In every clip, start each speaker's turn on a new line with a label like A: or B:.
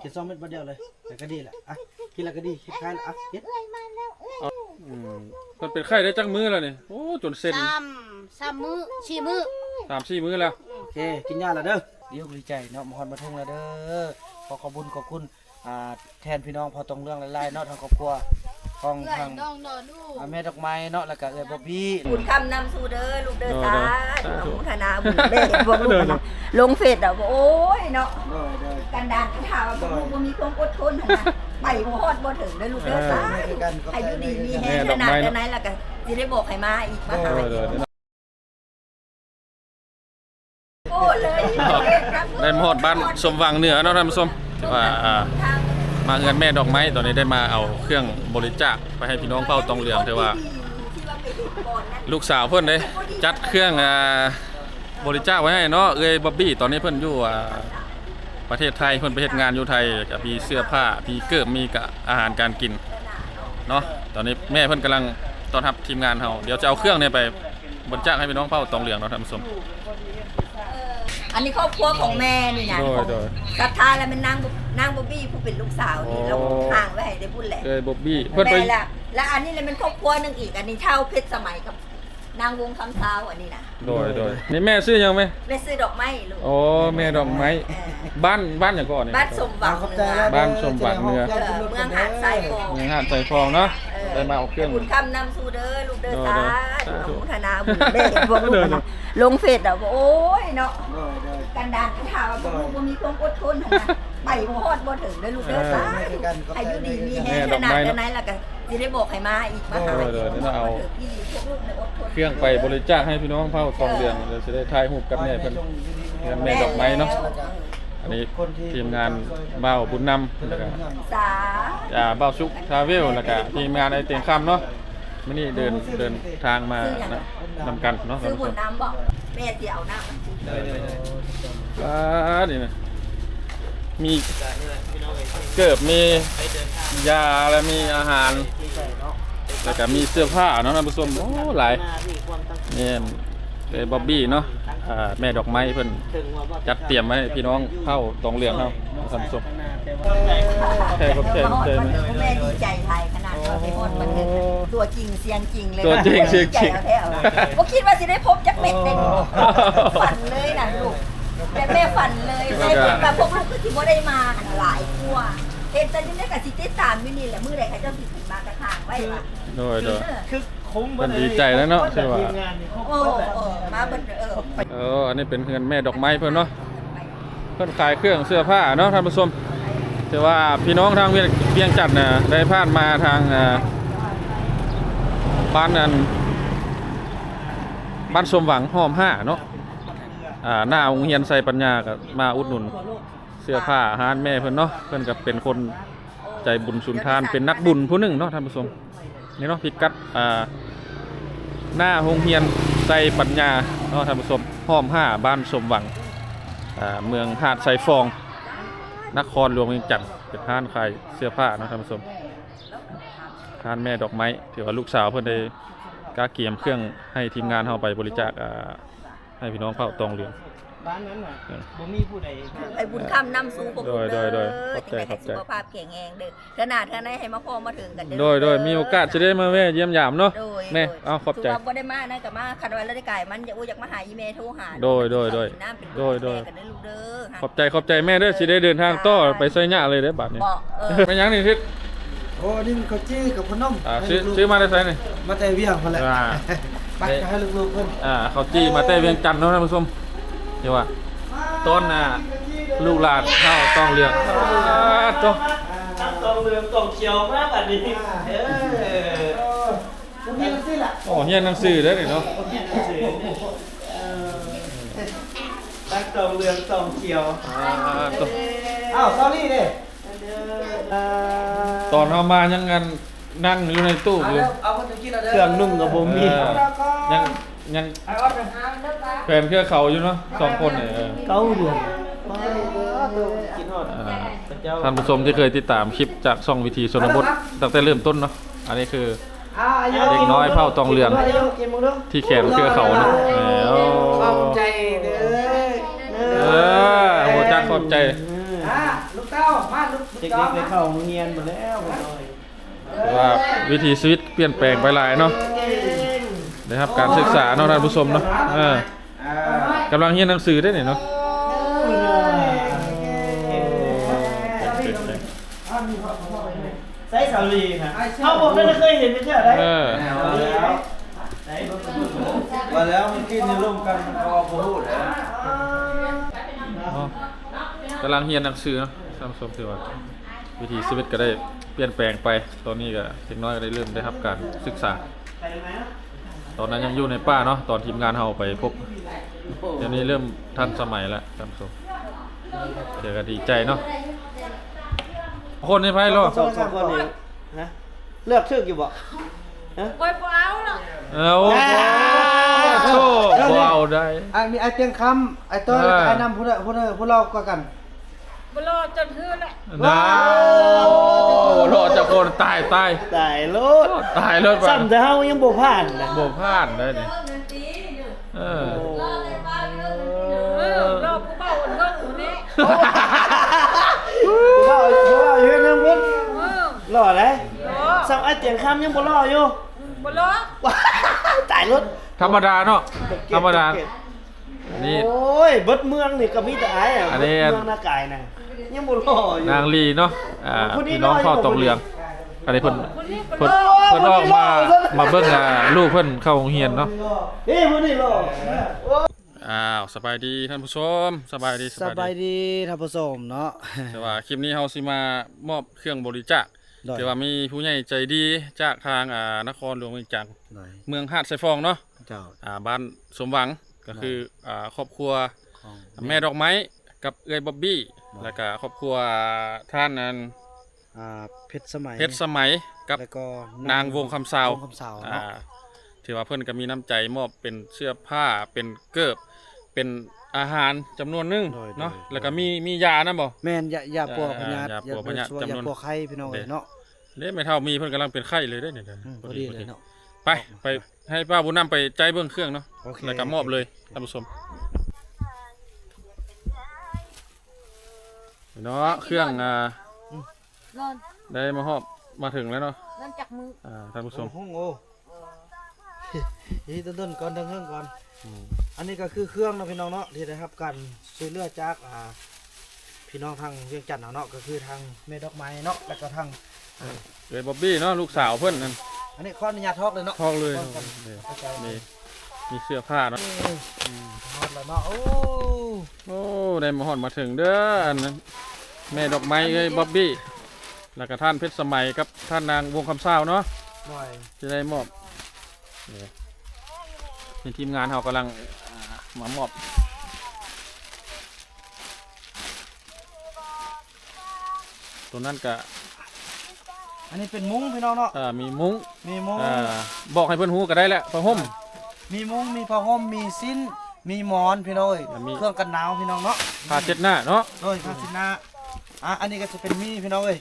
A: กิน2 เม็ดบัดเดียวเลยแต่ก็ดีแหละอ่ะกินแล้วก็ดีคิดคล้ายแล้วอ่ะกิน
B: มันเป็นไข้ได้จังมื้อแล้วนี่โอ้จนเส้น
C: 3 มื้อ4 มื้อ
B: 3-4 มื้อแล้ว
A: โอเคกินยาแล้วเด้อเดี๋ยวดีใจเนาะมาฮอดมาทุ่งแล้วเด้อขอบคุณแทนพี่น้องพอตรงเรื่องหลายๆเนาะทางครอบครัวของทางแม่ดอกไม้เนาะแล้วก็บ๊อบบี้
D: บุญคำนำสู่เด้อลูกเด้อสาธุธนาบุญเด้อพวกลูกนะลงเฟซอ่ะโอ้ยเนาะกันดานกันถามว่าพวกลูกบ่มีความอดทนนะไปบ่ฮอดบ่ถึงเด้อลูกเด้อสาอายุดีมีแฮงขนาดนั้นแล้วก็สิได้บอกให้มาอีกมาหาโอ้เลย
B: ได้มาฮอดบ้านสมหวังเหนือเนาะท่านผู้ชมว่ามาเงินแม่ดอกไม้ตอนนี้ได้มาเอาเครื่องบริจาคไปให้พี่น้องเผ่าตองเหลืองแต่ว่าลูกสาวเพิ่นได้จัดเครื่องบริจาคไว้ให้เนาะเอ้ยบ๊อบบี้ตอนนี้เพิ่นอยู่ประเทศไทยเพิ่นไปเฮ็ดงานอยู่ไทยกับมีเสื้อผ้ามีเกิบมีกับอาหารการกินเนาะตอนนี้แม่เพิ่นกำลังต้อนรับทีมงานเฮาเดี๋ยวจะเอาเครื่องนี้ไปบริจาคให้พี่น้องเผ่าตองเหลืองเนาะท่านผู้ชม
D: อันนี้ครอบครัวของแม่นี่นะศรัทธาแล้วมันนางบ๊อบบี้ผู้เป็นลูกสาวนี่เราห่างไว้ให้ได้พูดแหละ
B: บ๊อบบี้เพิ่นไป
D: และอันนี้เลยเป็นครอบครัวนึงอีกอันนี้เท่าเพชรสมัยกับนางวงคำเท้าอันนี้นะ
B: โดยนี่แม่ซื้อยังไหม
D: แม่ซื้อดอกไม้ลูก
B: โอ้แม่ดอกไม้บ้านอย่างก่อนนี่
D: บ้านสมหวัง
B: บ้านสมหวังเนื้อ
D: เมืองหาดทรายฟอง
B: เมืองหาดทรายฟองเนาะได้มาเอาเครื่อง
D: บุญคำนำสู่เด้อลูกเด้อสาธุธนาบุญเด้อพวกลูกนะลงเฟซอ่ะโอ้ยเนาะกันดานกันถามว่าพวกลูกบ่มีความอดทนนะไปบ่ฮอดบ่ถึงเด้อลูกเด้อสาอายุดีมีแฮงขนาดนั้นแล้วก็สิได้บอกให้มาอีกมาหา
B: เดี๋ยวเอาเครื่องไปบริจาคให้พี่น้องเผ่าทองเหลืองเดี๋ยวจะได้ถ่ายรูปกับแม่เพิ่นแม่ดอกไม้เนาะอันนี้ทีมงานบ่าวบุญนำแล้วก็บ่าวชุกทราเวลแล้วก็ทีมงานไอเตียงค่ำเนาะมื้อนี้เดินทางมานะนำกันเนาะ
D: ซื้อบุญน้ำบ่แม่สิเอาน้
B: ำนี่นะมีเกิบมียาและมีอาหารแล้วก็มีเสื้อผ้าเนาะท่านผู้ชมโอ้หลายนี่เป็นบ๊อบบี้เนาะแม่ดอกไม้เพิ่นจัดเตรียมไว้ให้พี่น้องเผ่าตองเหลืองเฮาท่านผู้ชมแค่แ
D: ม่ดีใจไทยขนาดว่าไปฮอดมันตัวจริงเสียงจริงเลย
B: ตัวจริงเสียงจริง
D: บ่คิดว่าสิได้พบจักเม็ดได้ฝันเลยนะลูกแม่ฝันเลยได้แบบพวกลูกคือสิบ่ได้มาหลายทั่วเฮ็ดแต่นี่ได้ก็สิติดตามอยู่นี่แหละมื้อใดเขาเจ้าสิขึ้นมากระถางไว้ล่ะ
B: โดยคือมันดีใจแล้วเนาะใช่ป่ะ
D: มาเบิ่
B: งอันนี้เป็นเงินแม่ดอกไม้เพิ่นเนาะเพิ่นขายเครื่องเสื้อผ้าเนาะท่านผู้ชมแต่ว่าพี่น้องทางเวียงจันทน์น่ะได้ผ่านมาทางบ้านสมหวังห้อม5เนาะหน้าโรงเรียนไซปัญญาก็มาอุดหนุนเสื้อผ้าอาหารแม่เพิ่นเนาะเพิ่นก็เป็นคนใจบุญสุนทานเป็นนักบุญผู้หนึ่งเนาะท่านผู้ชมนี่เนาะพิกัดหน้าโรงเรียนไซปัญญาเนาะท่านผู้ชมห้อม5บ้านสมหวังเมืองหาดไซฟองนครหลวงเวียงจันทน์เป็นร้านขายเสื้อผ้าเนาะท่านผู้ชมร้านแม่ดอกไม้ถือว่าลูกสาวเพิ่นได้กาเกียมเครื่องให้ทีมงานเฮาไปบริจาคให้พี่น้องเผ่าตองเหลือง
A: บ้านนั้นน่ะบ่มีผู้ใด
D: ไอ้บุญคำนำสู่พวกลูกเด้อขอบใจสุขภาพแข็งแรงเด้อขนาดท่านได้ให้มาพอมาถึงกันเด้
B: อโดยมีโอกาสจะได้มาแวะเยี่ยมยามเนาะแม่เอาขอบใจ
D: บ่ได้มานะก็มาคันไว้แล้วได้ไก่มันอยากมาหาอีเมลโทรหา
B: โดยขอบใจแม่เด้อสิได้เดินทางต่อไปไสหญ้าเลยเด้อบัดนี้เป็นหยังนี่ทิศ
A: โอ้นี่ข้าวจี้กับขนม
B: ซื้อมาได้ไสนี่
A: มาแต่เวียงพุ่นแหละไปให้ลูกๆเพิ่น
B: ข้าวจี้มาแต่เวียงจันทน์เนาะท่านผู้ชมเดี๋ยวว่าต้นลูกหลานข้าวต้องเลือก
A: ต้องเลือกต้องเขียวมากแบบนี้
B: เฮียนหนังสือได้เนาะ
A: ตั้งต้องเลือกต้องเขียวซอรี่เด้
B: ตอนเอามายังงันนั่งอยู่ในตู้อยู่
A: เครื่องนุ่งกับบ่มี
B: ยังแฟนเครือเขาอยู่เนาะ2คนเนี่ย
A: เก้าเดือน
B: ท่านผู้ชมที่เคยติดตามคลิปจากช่องวิธีชนบทตั้งแต่เริ่มต้นเนาะอันนี้คือเด็กน้อยเผ่าตองเหลืองที่แขนเครือเขาเนาะ
A: ขอบใจเด้อ
B: หัวจักขอบใจ
A: ลูกเต้ามาลูก
E: เด็กๆไปเข้าโรงเรียนหมดแล้วไปหน่อย
B: แต่ว่าวิถีชีวิตเปลี่ยนแปลงไปหลายเนาะนะครับการศึกษาเนาะท่านผู้ชมเนาะกำลังเรียนหนังสือได้เนี่ยเนาะ
E: ใส่สาลีค่ะเขาบอกไม่ได้เคยเห็นไม่ใช่ไหม
A: มาแล้วมันกินในร่วมกันมันพอพูด
B: กำลังเรียนหนังสือเนาะท่านผู้ชมถือว่าวิถีชีวิตก็ได้เปลี่ยนแปลงไปตอนนี้ก็เด็กน้อยก็ได้เริ่มได้รับการศึกษาตอนนั้นยังอยู่ในป่าเนาะตอนทีมงานเราไปพบเดี๋ยวนี้เริ่มทันสมัยแล้วท่านผู้ชมเดี๋ยวก็ดีใจเนาะคนในไพ่รอ
E: สองคนเองนะเลือกชื่ออยู่บ่
C: ไว้เปล่าเนาะ
B: เอาโชคว้าวได้
A: มีไอเตียงคำไอเต้ยไอนำผู้เราก็กัน
C: บ่รอจนฮือแหละ
B: นะรอจากคนตาย
E: ตายรถ
B: ตายรถ
E: ซ้ำแต่เฮายังบ่ผ่านนะ
B: บ่พลาดได้เนี่ย
C: รอผู้เบาเบิ่งอยู่นี่
E: บ่อยู่นำเพิ่นรอเลย
C: รอ
E: ซ้ำไอ้เตียงคำยังบ่รออยู่
C: บ่รอ
E: ตายรถ
B: ธรรมดาเนาะธรรมดานี่
E: โอ้ยเบิดเมืองนี่ก็มีแต่ไอ้อะ
B: อันนี้
E: เมืองหน้ากายน่ะยังบ่รออยู่
B: นางลีเนาะพี่น้องเข้าตกเรืองอันนี้เพิ่นเพิ่นออกมาเบิ่งลูกเพิ่นเข้าโรงเรียนเนาะ
E: เฮ้ยมื้อนี้รอ
B: สบายดีท่านผู้ชมสบายดี
A: สบายดีท่านผู้ชมเนาะ
B: แต่ว่าคลิปนี้เฮาสิมามอบเครื่องบริจาค
A: ได้
B: แต่ว่ามีผู้ใหญ่ใจดีจากทางนครหลวงเวียงจันทน์
A: หน่อย
B: เมืองหาดไซฟองเนาะ
A: เจ้า
B: บ้านสมหวังก็คือครอบครัว
A: ของ
B: แม่ดอกไม้กับเอื้อยบ๊อบบี้แล้วก็ครอบครัวท่านนั้น
A: เพชรสมัย
B: เพชรสมัยกับ
A: แล้วก็
B: นางวงคำสาว
A: วงคำสาวเนาะ
B: ถือว่าเพิ่นก็มีน้ำใจมอบเป็นเสื้อผ้าเป็นเกิบเป็นอาหารจำนวนหนึงเนาะแล้วก็มียานะบ่
A: แม่นยาปัวพญาต
B: ยาปัวพญาต
A: ยา
B: จำนวน
A: ปัวไข่พี่น้องเอ้ยเนาะ
B: เด้ไม่เท่ามีเพิ่นกำลังเป็นไข้เลยได้เนี่ย
A: พอดีเลยเนาะ
B: ไปให้ป้าบุญนำไปใจเบื้องเครื่องเนาะ
A: โอเค
B: แล้วก็มอบเลยท่านผู้ชมเนาะเครื่อง
C: นอน
B: ได้มาฮอบมาถึงแล้วเนาะ
C: นอนจักมือ
B: ท่านผู้ชม
A: โอ้โหนี่ต้นก่อนเครื่องก่อนอันนี้ก็คือเครื่องเนาะพี่น้องเนาะที่ได้รับการช่วยเหลือจากพี่น้องทางเวียงจันทน์เนาะก็คือทางแม่ดอกไม้เนาะแล้วก็ทาง
B: เอ้ยบ๊อบบี้เนาะลูกสาวเพิ่นนั่น
A: อันนี้ขออนุญาตทอกเลยเนาะ
B: ทองเลย
A: ทอกกัน
B: นี่
A: เข้าใจ
B: มีเสื้อผ้าเนาะ
A: ทอดแล้วเนาะโอ้
B: โอ้ได้มาฮอดมาถึงเด้ออันนั้นแม่ดอกไม้เอ้ยบ๊อบบี้แล้วก็ท่านเพชรสมัยกับท่านนางวงคำสาวเนาะ
A: หน่อย
B: จะได้มอบนี่ทีมงานเรากำลังมามอบตัวนั้นก็
A: อันนี้เป็นมุ้งพี่น้องเนาะ
B: มีมุ้ง
A: มีมุ้ง
B: บอกให้เพื่อนฮู้ก็ได้แหละผ้าห่ม
A: มีมุ้งมีผ้าห่มมีสิ้นมีหมอนพี่น้องเอ้ย
B: มี
A: เครื่องกันหนาวพี่น้องเนาะ
B: ผ้าเช็ดหน้าเนาะ
A: โดยผ้าสินหนาอันนี้ก็จะเป็นมีพี่น้องเอ้ย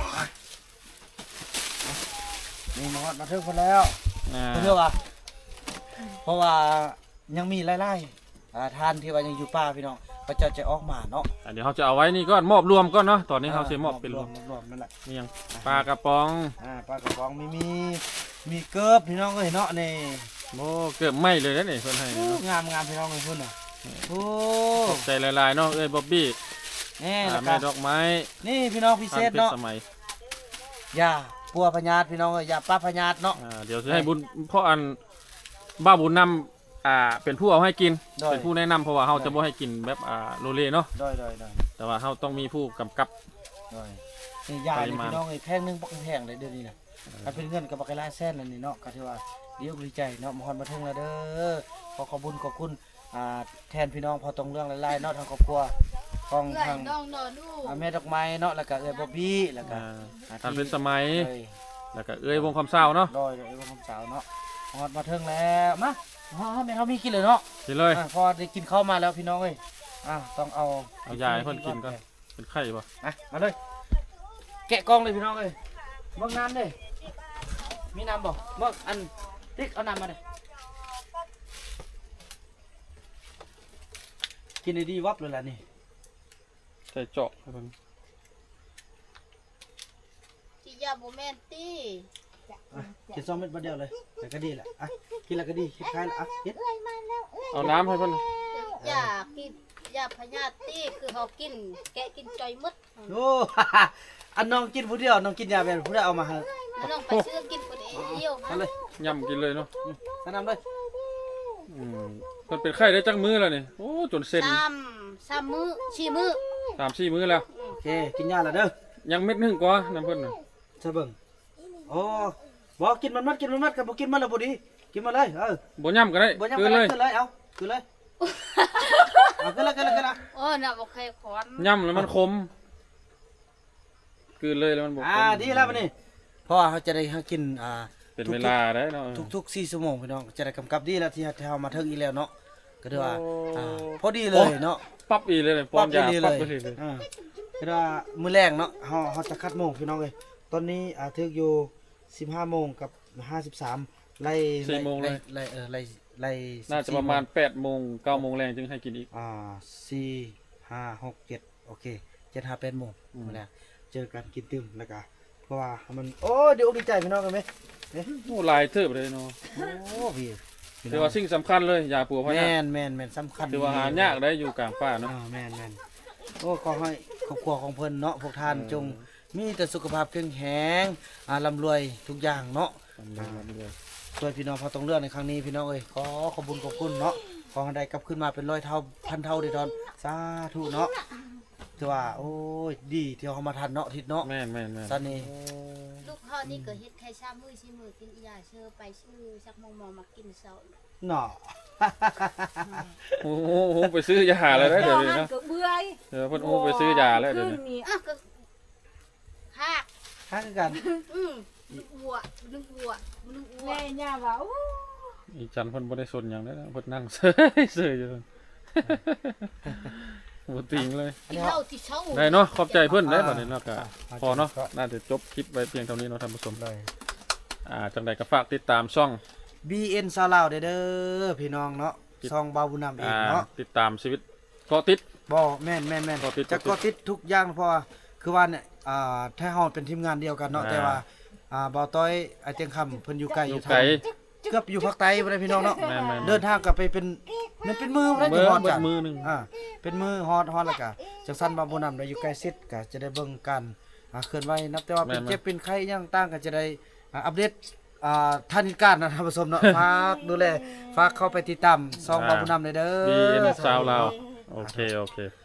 A: นี่มาฮอดมาถึงคนแล้ว เพื่อว่าเพราะว่ายังมีไล่ๆทานที่ว่ายังอยู่ป่าพี่น้องก็จะออกมาเนาะ
B: เดี๋ยวเขาจะเอาไว้นี่ก่อนมอบรวมก่อนเนาะตอนนี้เขาจะมอบเป็นรวม
A: รวมนั่นแหละ
B: นี่ยังปลากระป๋อง
A: ปลากระป๋องมีเกิบพี่น้องเอ้ยเนาะนี่
B: โอ้เกือบไหม้เลยนะนี่เพิ่นให้นี่เนาะ
A: งามพี่น้องเอ้ยพุ่นน่ะโอ้
B: ขอบใจหลายๆเนาะเอ้ยบ๊อบบี้
A: นี่แล้ว
B: แม่ด
A: ก็
B: อกไม้
A: นี่พี่น้องพิเศ
B: ท่าน
A: ษ
B: เพช
A: เนาะ
B: รสมัย
A: ยาปัวพญาตพี่น้องเอ้ยยาป้าพญาตเนาะ
B: เดี๋ยวจะให้บุญเพราะอันบ้าบุญนำเป็นผู้เอาให้กิน
A: ได้
B: เป็นผู้แนะนำเพราะว่าเขาจะบ่ให้กินแบบโลเลเนาะ
A: ได้
B: แต่ว่าเขาต้องมีผู้กำกับ
A: นี่ยา
B: ปริ
A: นี่
B: มาณ
A: พี่น้องเอ้ยแพงหนึงบ่แพงเลยเดี๋ยวนี้น่ะถ้าเป็นเงินก็บ่ไกลหลายแสนแล้วนี่เนาะก็ถือว่าดีอกดีใจเนาะมาฮอดมาถึงแล้วเด้อขอบคุณแทนพี่น้องพอตรงเรื่องหลายๆเนาะทางครอบครัวของ
C: เอื้อ
A: ทาย ง
C: น้องนอนดู
A: แม่ดอกไม้เนาะแล้วก็เอ้ยบ๊อบบี้แล้วก็
B: ท่านเป็นสมัย
A: เอ้ย
B: แล้วก็เอ้ยวงคำเศร้าเนาะ
A: โดยเอ้ยคำสาวเนาะฮอดมาถึงแล้วมาแม่เขามีกินเลยเนาะ
B: กินเลย
A: พอได้กินข้าวมาแล้วพี่น้องเอ้ยต้องเอา
B: เอายาให้เพิ่นกินก่อน เป็นไข่ป่ะ
A: มาเลยแกะกล้องเลยพี่น้องเอ้ยเบิ่งน้ำเด้มีน้ำบ่เบิ่งอันติ๊กเอาน้ำมาเด้กินดีๆวับเลยล่ะนี่
B: ใส่เจาะให้เพิ่น
F: ยาบ่แม่นติ
A: กิน2เม็ดบัดเดียวเลยแล้วก็ดีแหละอ่ะกินแล้วก็ดีคิดคล้ายแล้วอ่ะกิน
B: เอาน้ำให้เพิ่น
F: ยากินยาพยาธิคือเฮากินแกะกินจอยหมด
A: โอ้ อันน้องกินผู้เดียวน้องกินยาแบบผู้ใดเอามาให้
F: น้องไปซื้อกินคนเดียว
A: เอาเลย
B: ย่ำกินเลยเนาะ
A: แนะนำเลย
B: เพิ่นเป็นไข้ได้จักมื้อแล้วนี่โอ้จนเส้น
F: 3มื้อ4มื้อ
B: 3-4 มื้อแล้ว
A: โอเคกินยาแล้วเด้อ
B: ยังเม็ดหนึงกว่าน้ำเพิ่นน่ะ
A: ใช่เบิ่งโอ้บอกกินมันกันบ่กินมันแล้วบ่ดีกินมาเลย
B: บ่ย่ำก็ได้
A: บ่ยัง
B: คื
A: ไป
B: นเลย
A: ขึ้นเลยเอาขึ้นเลยเอาขึ้นเลย
F: โอ้น่ะบ่เคยขอน
B: ย่ำแล้วมันคมคืนเลยแล้วมันบ่คม
A: ดีแล้วบัดนี้เพราะว่าเขาจะได้กิน
B: เป็นเวลาได้เนาะ
A: ทุก4ชั่วโมงพี่น้องจะได้กำกับดีแล้วที่เฮามาถึงอีแล้วเนาะก็ถือว่า
B: โอ้
A: พอดีเลยเนาะ
B: ปั๊บอีเลยป้อนยา
A: ดี
B: ปั๊บไปเลย
A: คือว่ามื้อแรงเนาะเฮาจะคัดโมงพี่น้องเอ้ยตอนนี้ถึกอยู่15โมงกับ53ไล่
B: 4โมงเลย
A: ไล่
B: น่าจะประมาณ8โมง9โมงแรงจึงให้กินอีก
A: 4 5 6 7โอเค7 5 8โมงมื้อแรงเจอกันกินตึมแล้วก็เพราะว่ามันโอ้ดีอกดีใจพี่น้องกันมั้ย
B: โอ้หลายเทิบเลยเนาะ
A: โอ้พี่
B: ถือว่าสิ่งสำคัญเลยยาปัวพะ
A: แม่
B: ยะ
A: นสำคัญ
B: ถือว่าหายากได้อยู่กลางป่าเนาะ
A: แม่นโอ้ขอให้ครอบครัวของเพิ่นเนาะพวกท่านจงมีแต่สุขภาพแข็งแรงร่ำรวยทุกอย่างเนาะช่วยพี่น้องพอต้องเลือกในครั้งนี้พี่น้องเอ้ยขอบคุญขอบคุณเนาะขอให้ได้กลับขึ้นมาเป็น100 เท่าพันเท่าเด้อดอนสาธุเนาะถือว่าโอ้ยดีที่เฮามาทันเนาะทิศเนาะ
B: แม่น
A: ซันนี่
F: ลูกเฮานี่ก็เฮ็ดแค่3มื้อ4มื้อกินยาเชื่อไปซื้อสักมองมากินเช้า
A: เนาะ
B: โอ้โหไปซื้อยาแล้วได้เดี๋ยวนี้
C: มั
B: เนาะ
C: ก็เบื่อย
B: เดี๋ยวเพิ่นโอ้ไปซื้อยาแล้วเดี๋ยว
C: ขึ้
B: นี้
C: นนี่
F: อ่ะก็หาก
A: ฮักกัน
F: นึกวัวนึกวัว
C: แม่ย่าว่าอู้
B: อีจันเพิ่นบ่ได้สนหยังเลยนะเพิ่นนั่งเซยอยู่เพิ่นบ่ติงเลย
F: กินเหล้าที่เช้า
B: ได้เนาะขอบใจเพิ่นได้บัดนี้เนาะก็พอเนาะน่าจะจบคลิปไว้เพียงเท่านี้เนาะท่านผู้ชม
A: เลย
B: จังใดก็ฝากติดตามช่อง
A: BN ซาวลาวเด้อพี่น้องเนาะซองบาวบุญนำเองเนาะ
B: ติดตามชีวิตเกาะติด
A: บ่แม่น
B: เกาะติด
A: จะก็ติดทุกอย่างเพราะว่าคือว่าเนี่ยถ้าเฮาเป็นทีมงานเดียวกันเนาะแต่ว่าบ่าวต้อยไอ้เตียงคำเพิ่นอยู่ไกล
B: อ
A: อยู่ ยู่
B: ไกล
A: เกือบอยู่ภาคใต้บ่ได้พี่น้องเนาะ
B: แม่นๆ
A: เดินทางกลับไปเป็นมันเป็นมือบ่ได้
B: เบิ
A: ที่
B: ด
A: ฮอด
B: เบิ
A: จ้ะ
B: ดมือหนึง
A: เป็นมือฮอดแล้วก็จังซั่นบาวบุญนำได้อยู่ใกล้ชิดก็จะได้เบิ่งกันเคลื่อนไหวนับแต่ว่าเป็นเจ็บเป็นไข้อิหยังต่างก็จะได้อัปเดตท่านการนะท่านผู้ชมเนาะ ฝากดูแลฝากเข้าไปติดตามซองบาวบุญนำเด้อ
B: BN ซาวลาวโอเค